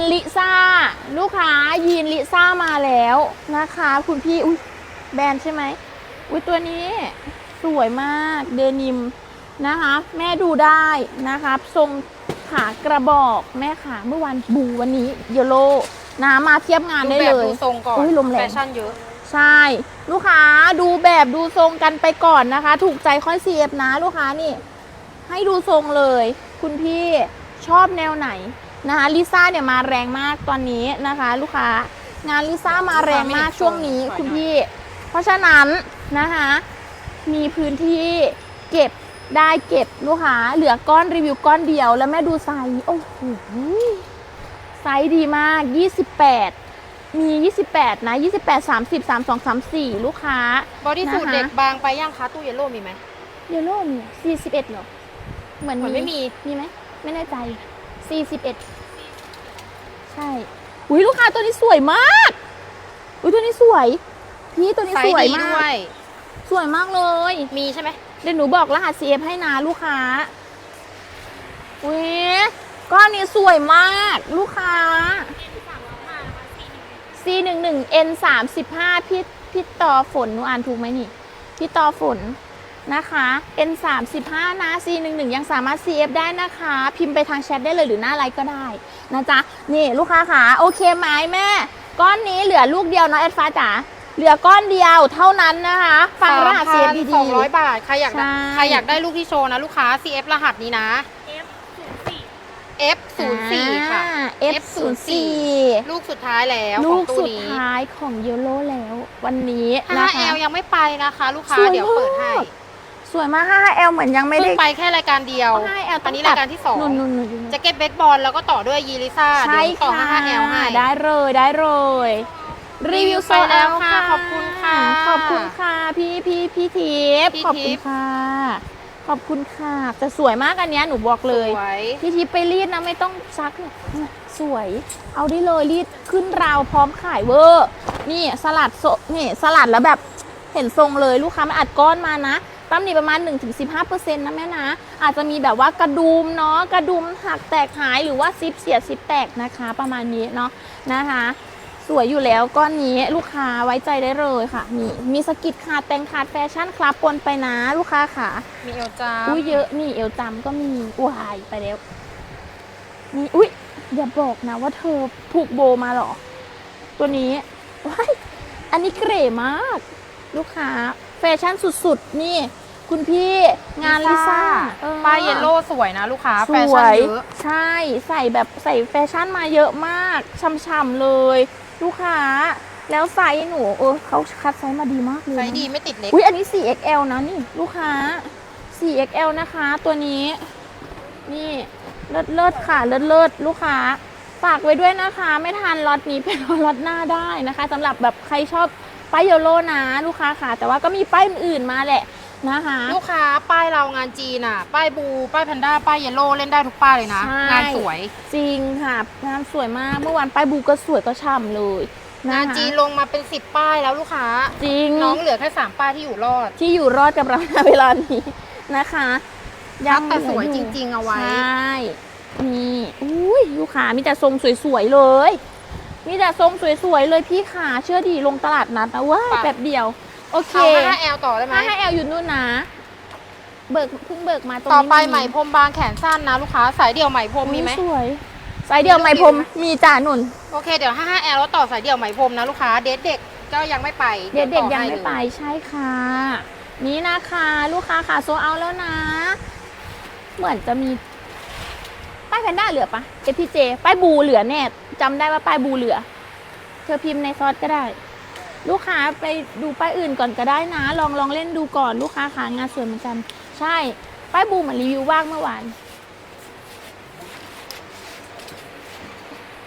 ลิซ่าลูกค้ายีนลิซ่ามาแล้วนะคะคุณพี่อุ้ยแบรนด์ใช่ไหมอุ้ยตัวนี้สวยมากเดนิมนะคะแม่ดูได้นะคะทรงขากระบอกแม่ขาเมื่อวันบูวันนี้เยลโล่นะมาเทียบงานได้เลยดูทรงก่อนลมแรงแฟชั่นเยอะใช่ลูกค้าดูแบบดูทรงกันไปก่อนนะคะถูกใจค่อยเสียบนะลูกค้านี่ให้ดูทรงเลยคุณพี่ชอบแนวไหนนะคะลิซ่าเนี่ยมาแรงมากตอนนี้นะคะลูกค้างานลิซ่ามาแรงมากช่วงนี้คุณพี่เพราะฉะนั้นนะคะมีพื้นที่เก็บได้เก็บลูกค้าเหลือก้อนรีวิวก้อนเดียวแล้วแม่ดูไซส์โอ้โหไซส์ดีมาก28มี28นะ28 30 32 34ลูกค้าบอดี้สูทเด็กบางไปย่างคะตู้เยลโล่มีไหมเยลโล่มี41เหรอเหมือนไม่มีไหมไม่แน่ใจ41ใช่อุ้ยลูกค้าตัวนี้สวยมากอุ้ยตัวนี้สวยพี่ตัวนี้สวยมากสวยมากเลยมีใช่ไหมเดี๋ยวหนูบอกรหัส CF ให้นะลูกค้าอุ้ยก้อนนี้สวยมากลูกค้าC11 N35 พี่ต่อฝนหนูอ่านถูกไหมนี่พี่ต่อฝนนะคะ N35 นะ C11 ยังสามารถ CF ได้นะคะพิมพ์ไปทางแชทได้เลยหรือหน้าไลฟ์ก็ได้นะจ๊ะนี่ลูกค้าค่ะโอเคไหมแม่ก้อนนี้เหลือลูกเดียวเนาะแอดฟ้าจ๋าเหลือก้อนเดียวเท่านั้นนะคะฟังรหัส CF ดีๆ 200 บาทใครอยากได้ลูกที่โชว์นะลูกค้า CF รหัสนี้นะ F04 ค่ะ F04 ลูกสุดท้ายแล้วลูกสุดท้ายของเยลโล่แล้ววันนี้นะคะ 5L ยังไม่ไปนะคะลูกค้าเดี๋ยวเปิดให้สวยมาก 5L เหมือนยังไม่ได้ไปแค่รายการเดียว 5L อันนี้รายการที่2จะเก็ตเบสบอลแล้วก็ต่อด้วยยีลิซ่าเดี๋ยวต่อ 5L ให้ได้เลยรีวิวไปแล้วค่ะขอบคุณค่ะขอบคุณค่ะพี่ทิพย์ขอบคุณค่ะขอบคุณค่ะจะสวยมากอันนี้หนูบอกเลยพี่ทิพย์ไปรีดนะไม่ต้องซักสวยเอาได้เลยรีดขึ้นราวพร้อมขายเวอร์นี่สลัดนี่สลัดแล้วแบบเห็นทรงเลยลูกค้าไม่อัดก้อนมานะตั้มนี่ประมาณ 1-15% นะแม่นะอาจจะมีแบบว่ากระดุมเนาะกระดุมหักแตกหายหรือว่าซิปเสียซิปแตกนะคะประมาณนี้เนาะนะคะสวยอยู่แล้วก้อนนี้ลูกค้าไว้ใจได้เลยค่ะนี่มีสกิดขาดแต่งขาดแฟชั่นคลับปนไปนะลูกค้าค่ะมีเอวจามอุ้ยเยอะนี่เอวจามก็มีวายไปแล้วนี่อุ้ยอย่าบอกนะว่าเธอผูกโบมาหรอตัวนี้ว้ายอันนี้เก๋มากลูกค้าแฟชั่นสุดๆนี่คุณพี่งานลิซ่าป้ายเยลโล่สวยนะลูกค้าแฟชั่นเยอะใช่ใส่แฟชั่นมาเยอะมากช่ำๆเลยลูกค้าแล้วไซส์หนูเขาคัดไซส์มาดีมากเลยไซส์ดีไม่ติดเล็กอุ้ยอันนี้ 4XL นะนี่ลูกค้า 4XL นะคะตัวนี้นี่เลิศค่ะเลิศลูกค้าฝากไว้ด้วยนะคะไม่ทันล็อตนี้เป็นล็อตหน้าได้นะคะสำหรับแบบใครชอบป้ายเยลโล่นะลูกค้าค่ะแต่ว่าก็มีป้ายอื่นๆมาแหละนะคะลูกค้าป้ายเรางานจีนอ่ะป้ายบูป้ายแพนด้าป้ายเยลโล่เล่นได้ทุกป้ายเลยนะงานสวยจริงค่ะงานสวยมากเมื่อวานป้ายบูก็สวยก็ช่ำเลยงานจีนลงมาเป็น10ป้ายแล้วลูกค้าจริงน้องเหลือแค่3ป้ายที่อยู่รอดกับเราในเวลานี้นะคะยังแต่สวยจริงๆเอาไว้ใช่นี่อุ้ยลูกค้ามีแต่ทรงสวยๆเลยมีแต่ทรงสวยๆเลยพี่ขาเชื่อดีลงตลาดนัดนะว่าแบบเดียวโอเค 5L ต่อได้ไหม 5L อยู่นู่นนะเพิ่งเบิกมาตรงนี้ต่อไปไหมพรมบางแขนสั้นนะลูกค้าสายเดี่ยวไหมพรมมีไหมสวยสายเดี่ยวไหมพรมมีจ่าหนุนโอเคเดี๋ยว 5L แล้วต่อสายเดี่ยวไหมพรมนะลูกค้าเด็กก็ยังไม่ไปเด็กยังไม่ไปใช่ค่ะนี่นะคะลูกค้าค่ะโซเอาแล้วนะเหมือนจะมีป้ายแพนด้าเหลือปะFPJป้ายบูเหลือแน่จำได้ว่าป้ายบูเหลือเธอพิมพ์ในซอสก็ได้ลูกค้าไปดูป้ายอื่นก่อนก็ได้นะลองเล่นดูก่อนลูกค้าขางานสวยเหมือนกันใช่ป้ายบูเหมือนรีวิวว่างเมื่อวาน